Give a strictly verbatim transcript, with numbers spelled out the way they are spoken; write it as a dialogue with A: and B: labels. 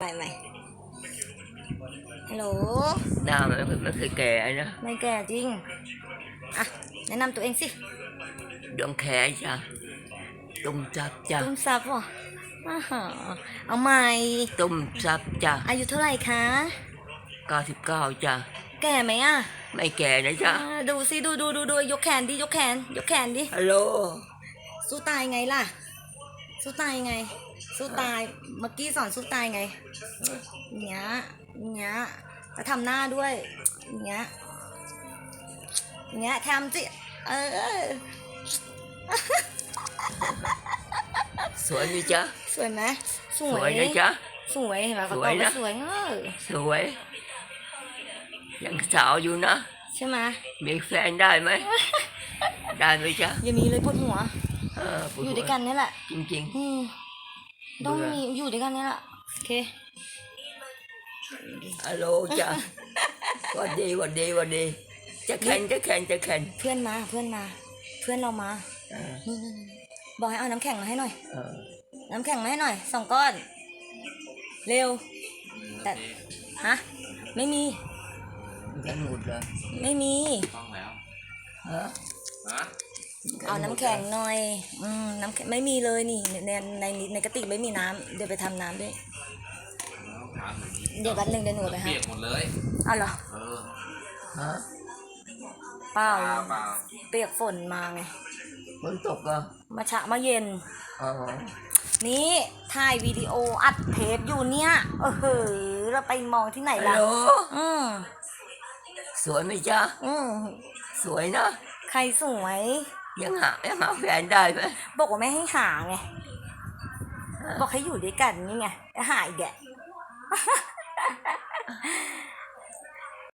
A: ไปไหมฮัลโหล
B: หน้ามันไม่เคยแก่นะ
A: ไม่แก่จริงอ่ะแนะนำตัวเองสิ
B: ดวงแขจ้ะตุ้มซับจ้ะ
A: ตุ้มซับวะอาหาเอาใหม่
B: ตุ้มซับจ้ะ
A: อายุเท่าไหร่คะ
B: เก้าสิบเก้าจ้ะ
A: แก่ไหมอ่ะ
B: ไม่แก่นะจ๊ะ
A: ดูสิดูดูดูดูยกแขนดิยกแขนยกแขนดิ
B: ฮัลโหล
A: สู้ตายไงล่ะสู้ตายไงสู้ตายเมื่อกี้สอนสู้ตายไงเนี้ยเนี้ยจะทำหน้าด้วยเนี้ยเนี้ยทำสิเออ
B: สวยไหมจ๊ะ
A: สวยไหมส
B: วยสวยนะจ๊ะ
A: สวยเห็นไหมเขาตอบว่าสวยเออ
B: สวยยังสาวอยู่นะ
A: ใช่ไหม
B: มีแฟนได้ไหมได้ไหมจ๊ะ
A: อย่ามีเลยปวดหัว
B: อ
A: ยู่ด้วยกันนี่แหละ
B: จริง
A: ๆต้องมีอยู่ด้วยกันนี่แหละโอเค
B: ฮัลโหลจ้ะวันดีวันดีวันดีจะแข่งจะแข่งจะแข่ง
A: เพื่อนมาเพื่อนมาเพื่อนเรามานี่บอกให้เอาน้ำแข็งมาให้หน่อยน้ำแข็งมาให้หน่อยสองก้อนเร็วแต่ฮะไม่มี
B: กันหมดเลย
A: ไม่มี
C: ต้องแล้ว
B: ฮะ
A: เอาน้ำแข็งหน่อยอืมน้ำแข็งไม่มีเลยนี่ในในในกระติกไม่มีน้ำเดี๋ยวไปทำน้ำด้วยเดี๋ยวแป๊บนึงเดี๋ยวหนูไปให้
C: เปียกหมดเลย
A: เอาเหรอ
C: เออ
B: ฮะ
A: เปล่า
C: เปล่า
A: เปียกฝนมาไง
B: ฝนตกอ่ะ
A: มาชะมาเย็น
B: อ๋อ
A: นี่ถ่ายวิดีโออัดเทปอยู่เนี่ยเออเฮ้ยเราไปมองที่ไหนล่ะอืม
B: สวยไหมจ๊ะ
A: อืม
B: สวยนะ
A: ใครสวย
B: ยังหายังหาแฟนได้ไหม
A: บอกว่าไม่ให้หาไงบอกให้อยู่ด้วยกันนี่ไงหาอีกแก